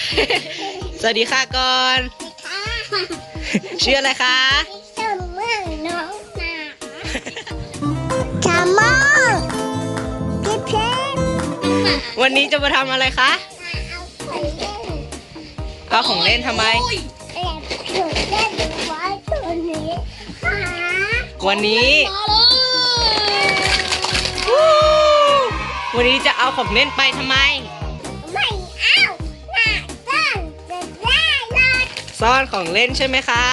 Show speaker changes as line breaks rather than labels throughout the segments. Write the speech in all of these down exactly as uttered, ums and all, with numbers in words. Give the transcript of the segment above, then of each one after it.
สวัสดีค่ะก่อนชื่ออะไรคะ
สมมติน้องหนาชาโมพี่เพชร
วันนี้จะมาทำอะไรคะเอาของเล่นทำไมวันนี้วันนี้จะเอาของเล่นไปทำไม
ไม่เอาหน้าซ่อนจะได้เลย
ซ่อนของเล่นใช่ไหมคะ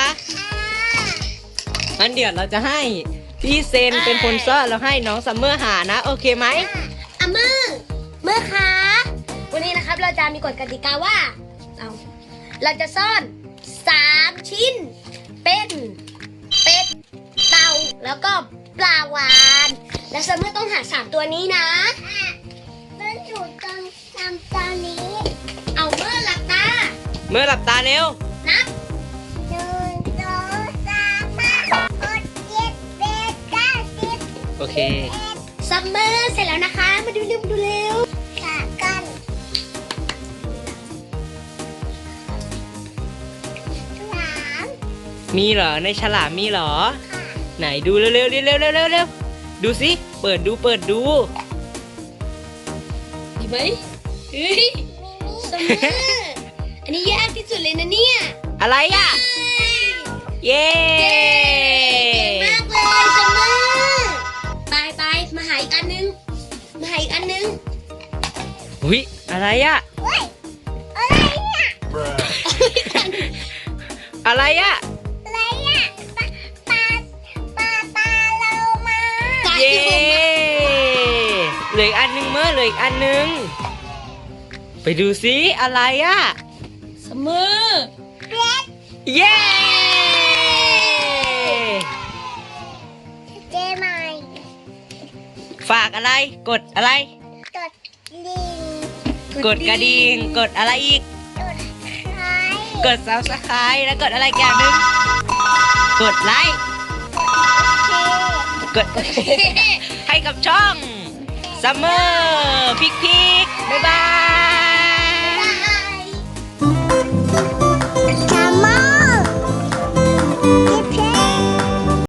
งั้นเดี๋ยวเราจะให้พี่เซนเป็นคนซ่อนแล้วให้น้องซัมเมอร์หานะโอเคไหม
อ่ะมือมือคะวันนี้นะครับเราจะมีกฎกติกาว่าเอาเราจะซ่อนสามชิ้นเป็นเป็ดเต่าแล้วก็ปลาวาฬและซัมเมอร์ต้องหาสามตัวนี้นะ
ต้นถูกตอนทำตอนนี้
เอาเมื่อหลับตา
เมื่อหลับตาเร็ว
นับ
หนึ่งสองสามห้าหกเจ็ดแปดเก้าสิบ
โอเค
ซัมเมอร์เสร็จแล้วนะคะมาดูเร็วดูเร็ว
ขากันสาม
มีเหรอในฉลามมีเหรอไหนดูเร็วๆเร็วๆเร็วๆเร็วๆเร็วๆดูสิเปิดดูเปิดดู
ดีไหมเฮ้ยซัมเมอร์อันนี้ยากที่สุดเลยนะเนี่ย
อะไรอ่ะเย้
เก่งมากเลยซัมเมอร์ไปไปมาหาอีกอันนึงมาหาอีกอันนึง
อุ้ยอะไรอ่ะ
เฮ้ยอะไรอ่ะ
อะไรอ่ะ
อะไรอ่ะปลาปลาปลาปลาเรามา
เย้เหลืออีกอันนึงเมื่อเหลืออีกอันนึงไปดูสิอะไรอ่ะ
ซัมเมอร์
เป็ด
เย้
เจ๊ใหม่
ฝากอะไรกดอะไร
กดลิง
กดกระดิ่งกดอะไรอีก
กดไลค์
กด ซับสไครบ์ แล้วกดอะไรอย่างหนึ่งกดไลค์กดให้กับช่องซัมเมอร์พิกพี